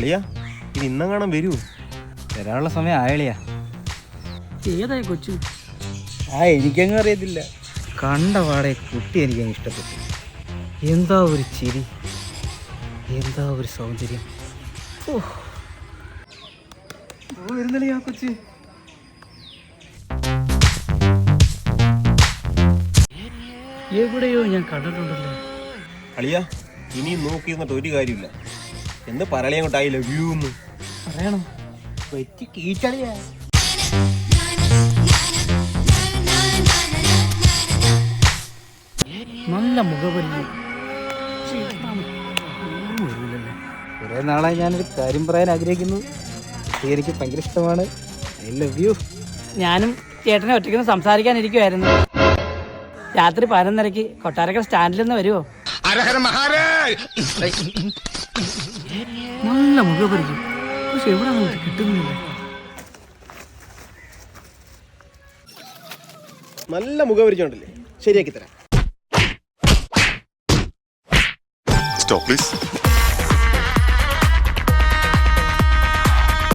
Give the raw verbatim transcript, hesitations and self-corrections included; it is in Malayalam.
അളിയാ ഇത് ഇന്നും കാണാൻ വരൂ? വരാനുള്ള സമയം ആയളിയാ. ഏതായി കൊച്ചു? ആ എനിക്കങ്ങ് അറിയത്തില്ല. കണ്ട പാടെ കുട്ടി എനിക്കങ്ങ് ഇഷ്ടപ്പെട്ടു. എന്താ ഒരു ചിരി, എന്താ ഒരു സൗന്ദര്യം. ഓ വരുന്നളിയാ കൊച്ചു. എവിടെയോ ഞാൻ കണ്ടിട്ടുണ്ടല്ലോ. അളിയാ ഇനിയും നോക്കി നിന്നിട്ട് ഒരു കാര്യമില്ല. എന്ത് പറയലങ്ങോട്ട് ഐ ലവ് യു എന്ന് പറയണോ? വെച്ച് കീച്ചളിയാ. നല്ല മുഖപരിചയം. കുറെ നാളായി ഞാനൊരു കാര്യം പറയാൻ ആഗ്രഹിക്കുന്നു. കുട്ടി എനിക്ക് ഭയങ്കര ഇഷ്ടമാണ്. I love you. ഞാനും ചേട്ടനെ ഒറ്റയ്ക്കൊന്ന് സംസാരിക്കാനിരിക്കുമായിരുന്നു. രാത്രി പതിനൊന്നരക്ക് കൊട്ടാരക്കര സ്റ്റാൻഡിൽ നിന്ന് വരുമോ? നല്ല മുഖപരിചയം, പക്ഷെ എവിടെ കിട്ടുന്നില്ല. നല്ല മുഖപരിചയം ഉണ്ടല്ലേ, ശരിയാക്കി തരാം. Stop, please.